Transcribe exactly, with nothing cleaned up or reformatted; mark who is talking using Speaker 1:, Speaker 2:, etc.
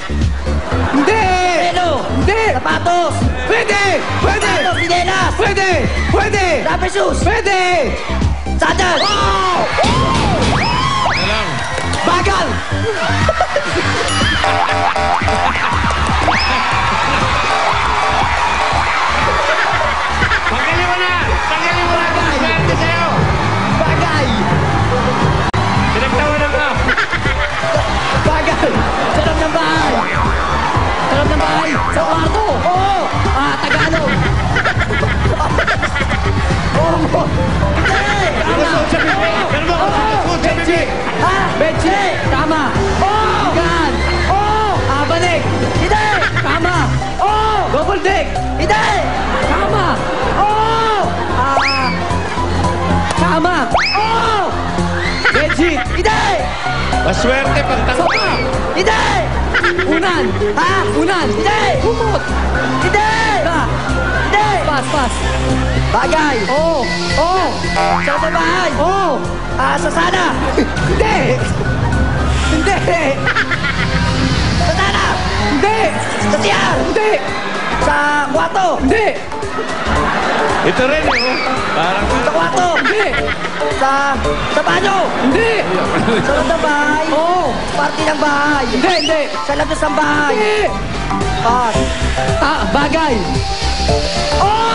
Speaker 1: Hindi!
Speaker 2: Pelo.
Speaker 1: Hindi!
Speaker 2: Sapatos.
Speaker 1: Pwede! Pwede!
Speaker 2: Sapatos, sinelas.
Speaker 1: Pwede! Pwede!
Speaker 2: Rubber shoes.
Speaker 1: Pwede!
Speaker 2: Sandal.
Speaker 1: Oh!
Speaker 3: Ano lang?
Speaker 1: Bagal!
Speaker 3: Tanggalin mo na! Tanggalin mo na! Swerte sa'yo!
Speaker 1: Bagay!
Speaker 3: Pinagtawanan mo!
Speaker 1: Bagay!
Speaker 2: Sarap ng bahay. Sarap ng bahay. Sa kwarto.
Speaker 1: Oo!
Speaker 2: Ah, Tagalog.
Speaker 1: Oo!
Speaker 2: Hindi. Tama.
Speaker 3: Kusot sa bibig! Pero mo kusot sa bibig!
Speaker 2: Ha?
Speaker 1: Benji!
Speaker 2: Tama.
Speaker 1: Oh!
Speaker 2: Gan.
Speaker 1: Oh!
Speaker 2: Ah, balik. Hindi. Tama.
Speaker 1: Oh! Double deck!
Speaker 2: Hindi. Tama.
Speaker 1: Oh!
Speaker 2: Ah. Tama.
Speaker 1: Oh! Benji!
Speaker 2: Hindi.
Speaker 3: Maswerte pag
Speaker 2: Sopa.
Speaker 3: tanggal!
Speaker 2: Hindi.
Speaker 1: Unan!
Speaker 2: Ha?
Speaker 1: Unan!
Speaker 2: Hindi.
Speaker 1: Kumot!
Speaker 2: Hindi.
Speaker 1: Ba!
Speaker 2: Hindi.
Speaker 1: Pas, pas!
Speaker 2: Bagay.
Speaker 1: Oh! Oh!
Speaker 2: Sarap ng bahay.
Speaker 1: Oh!
Speaker 2: Ah, sasana.
Speaker 1: Hindi! Hindi!
Speaker 2: Sasana.
Speaker 1: Hindi!
Speaker 2: Sa siyar.
Speaker 1: Hindi!
Speaker 2: Sa kwarto.
Speaker 1: Hindi!
Speaker 3: Ito rin eh! oh. Parang
Speaker 2: Sa kwarto.
Speaker 1: Hindi!
Speaker 2: Sa, sa banyo.
Speaker 1: Hindi!
Speaker 2: Sa loob ng bahay.
Speaker 1: Oh!
Speaker 2: Party ng bahay.
Speaker 1: Hindi! Hindi!
Speaker 2: Sa labas ng bahay.
Speaker 1: Hindi!
Speaker 2: Pas.
Speaker 1: Ah, bagay!
Speaker 2: Oh!